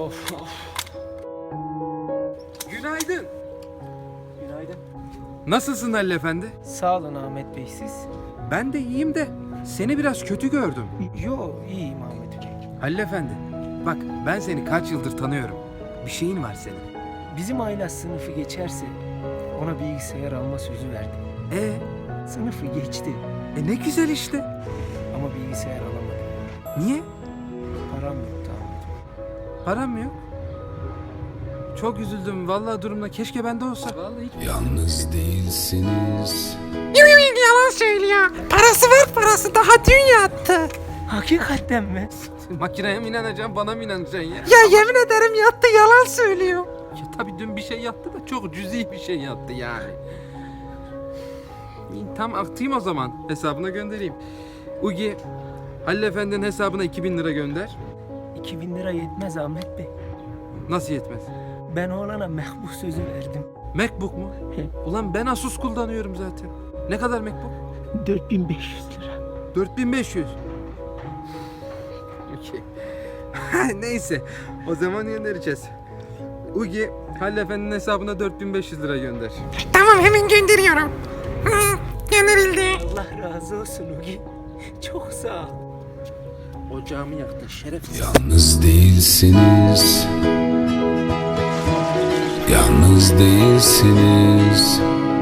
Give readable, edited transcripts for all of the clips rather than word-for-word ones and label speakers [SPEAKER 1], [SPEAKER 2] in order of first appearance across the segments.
[SPEAKER 1] Of of.
[SPEAKER 2] Günaydın.
[SPEAKER 1] Günaydın.
[SPEAKER 2] Nasılsın Halil Efendi?
[SPEAKER 1] Sağ olun Ahmet Bey, siz?
[SPEAKER 2] Ben de iyiyim de seni biraz kötü gördüm.
[SPEAKER 1] Yo, iyiyim Ahmet Bey.
[SPEAKER 2] Halil Efendi, bak ben seni kaç yıldır tanıyorum. Bir şeyin var senin.
[SPEAKER 1] Bizim aile sınıfı geçerse ona bilgisayar alma sözü verdim. Sınıfı geçti
[SPEAKER 2] Ne güzel işte.
[SPEAKER 1] ama bilgisayar alamadım.
[SPEAKER 2] Niye?
[SPEAKER 1] Param yoktu Ahmet Bey.
[SPEAKER 2] Param mı yok? Çok üzüldüm. Vallahi durumda keşke bende olsa. Vallahi hiç...
[SPEAKER 3] Yalnız değilsiniz.
[SPEAKER 4] Yalan söylüyor. Parası var, parası daha dün yattı.
[SPEAKER 1] Hakikaten mi?
[SPEAKER 2] Makineye mi inanacaksın, bana mı inanacaksın ya?
[SPEAKER 4] Ya yemin ederim yattı, yalan söylüyor.
[SPEAKER 2] Ya tabii dün bir şey yattı da çok cüzi bir şey yattı yani. İyi, tam atayım o zaman. Hesabına göndereyim. Ugi, Halil Efendi'nin hesabına 2000 lira gönder.
[SPEAKER 1] 2000 lira yetmez Ahmet Bey.
[SPEAKER 2] Nasıl yetmez?
[SPEAKER 1] Ben oğlana mehbus sözü verdim.
[SPEAKER 2] Macbook mu? Ulan ben Asus kullanıyorum zaten. Ne kadar Macbook?
[SPEAKER 1] 4500 lira.
[SPEAKER 2] 4500. Okey. Neyse. O zaman göndereceğiz. Ugi, Halil Efendi'nin hesabına 4500 lira gönder.
[SPEAKER 4] Tamam, hemen gönderiyorum. Hı, gönderildi.
[SPEAKER 1] Allah razı olsun Ugi. Çok sağ ol.
[SPEAKER 2] Ocağımı yaktın şerefsiz.
[SPEAKER 3] Yalnız değilsiniz. Yalnız değilsiniz.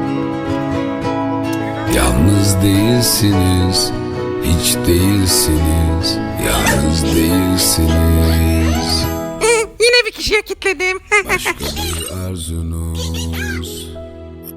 [SPEAKER 3] Yalnız değilsiniz. Hiç değilsiniz. Yalnız değilsiniz.
[SPEAKER 4] Yine bir kişiye kilitledim.
[SPEAKER 3] Başka bir arzunuz